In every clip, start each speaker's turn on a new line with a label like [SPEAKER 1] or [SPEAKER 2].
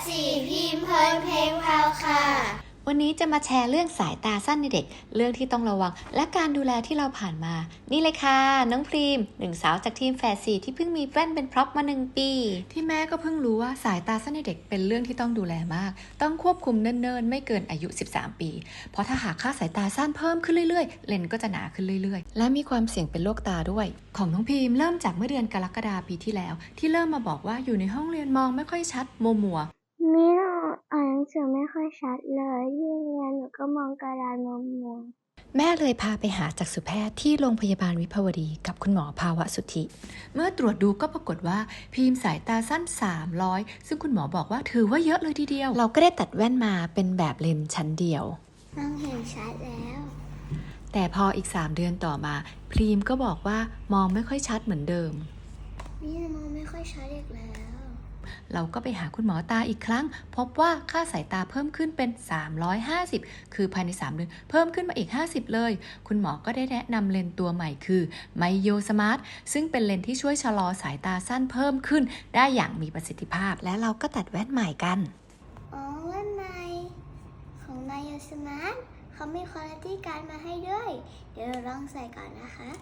[SPEAKER 1] 4พิมพ์เพลินเพลงพราวค่ะ
[SPEAKER 2] วันนี้จะมาแชร์เรื่องสายตาสั้นในเด็กเรื่องที่ต้องระวังและการดูแลที่เราผ่านมานี่เลยค่ะน้องพรีมหนึ่งสาวจากทีมแฝด4ที่เพิ่งมีแว่นเป็นพร็อพมา1 ปีที่แม่ก็เพิ่งรู้ว่าสายตาสั้นในเด็กเป็นเรื่องที่ต้องดูแลมากต้องควบคุมเนิ่นๆไม่เกินอายุ13 ปีเพราะถ้าหากค่าสายตาสั้นเพิ่มขึ้นเรื่อยๆเลนส์ก็จะหนาขึ้นเรื่อยๆและมีความเสี่ยงเป็นโรคตาด้วยของน้องพรีมเริ่มจากเมื่อเดือนกรกฎาคมปีที่แล้วที่เริ่มมาบอกว่าอยู่ในห้องเรียนมองไม่ค่อยชัดมัว
[SPEAKER 3] ไม่อ่านหนังสือไม่ค่อยชัดเลยที่เรียนหนูก็มองกระดานมัว
[SPEAKER 2] แม่เลยพาไปหาจักษุแพทย์ที่โรงพยาบาลวิภาวดีกับคุณหมอภาวะสุทธิเมื่อตรวจดูก็ปรากฏว่าพิมพ์สายตาสั้น300ซึ่งคุณหมอบอกว่าถือว่าเยอะเลยทีเดียวเราก็ได้ตัดแว่นมาเป็นแบบเลนส์ชั้นเดียว
[SPEAKER 3] มองเห็นชัดแล้ว
[SPEAKER 2] แต่พออีก3 เดือนต่อมาพิมพ์ก็บอกว่ามองไม่ค่อยชัดเหมือนเดิม
[SPEAKER 3] นี่มองไม่ค่อยชัดอีกแล้ว
[SPEAKER 2] เราก็ไปหาคุณหมอตาอีกครั้งพบว่าค่าสายตาเพิ่มขึ้นเป็น350คือภายใน3 เดือนเพิ่มขึ้นมาอีก50เลยคุณหมอก็ได้แนะนำเลนส์ตัวใหม่คือไมโยสมาร์ทซึ่งเป็นเลนส์ที่ช่วยชะลอสายตาสั้นเพิ่มขึ้นได้อย่างมีประสิทธิภาพและเราก็ตัดแว่นใหม่กัน
[SPEAKER 3] แว่นใหม่ของไมโยสมาร์ทเขามีคุณภาพการมาให้ด้วยเดี๋ยวเราลองใส่ก่อนนะคะ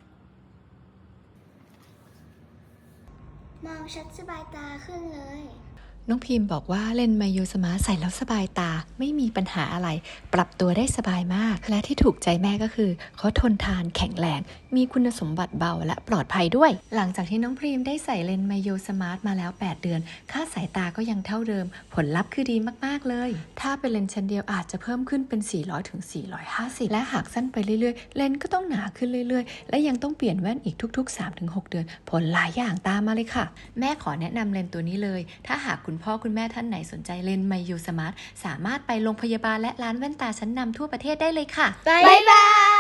[SPEAKER 3] มองชัดสบายตาขึ้นเลย
[SPEAKER 2] น้องพิมพ์บอกว่าเลนส์ไมโยสมาร์ทใส่แล้วสบายตาไม่มีปัญหาอะไรปรับตัวได้สบายมากและที่ถูกใจแม่ก็คือเขาทนทานแข็งแรงมีคุณสมบัติเบาและปลอดภัยด้วยหลังจากที่น้องพิมพ์ได้ใส่เลนส์ไมโยสมาร์ทมาแล้ว8 เดือนค่าสายตาก็ยังเท่าเดิมผลลัพธ์คือดีมากๆเลยถ้าเป็นเลนส์ชั้นเดียวอาจจะเพิ่มขึ้นเป็น400 ถึง 450และหากสั้นไปเรื่อยๆเลนส์ก็ต้องหนาขึ้นเรื่อยๆและยังต้องเปลี่ยนแว่นอีกทุกๆ 3 ถึง 6 เดือนผลหลายอย่างตามมาเลยค่ะแม่ขอแนะนำเลนส์ตัวนี้เลยถ้าหากคุณพ่อคุณแม่ท่านไหนสนใจเลนส์ไมโยสมาร์ทสามารถไปโรงพยาบาลและร้านแว่นตาชั้นนำทั่วประเทศได้เลยค่ะ
[SPEAKER 1] บ๊ายบาย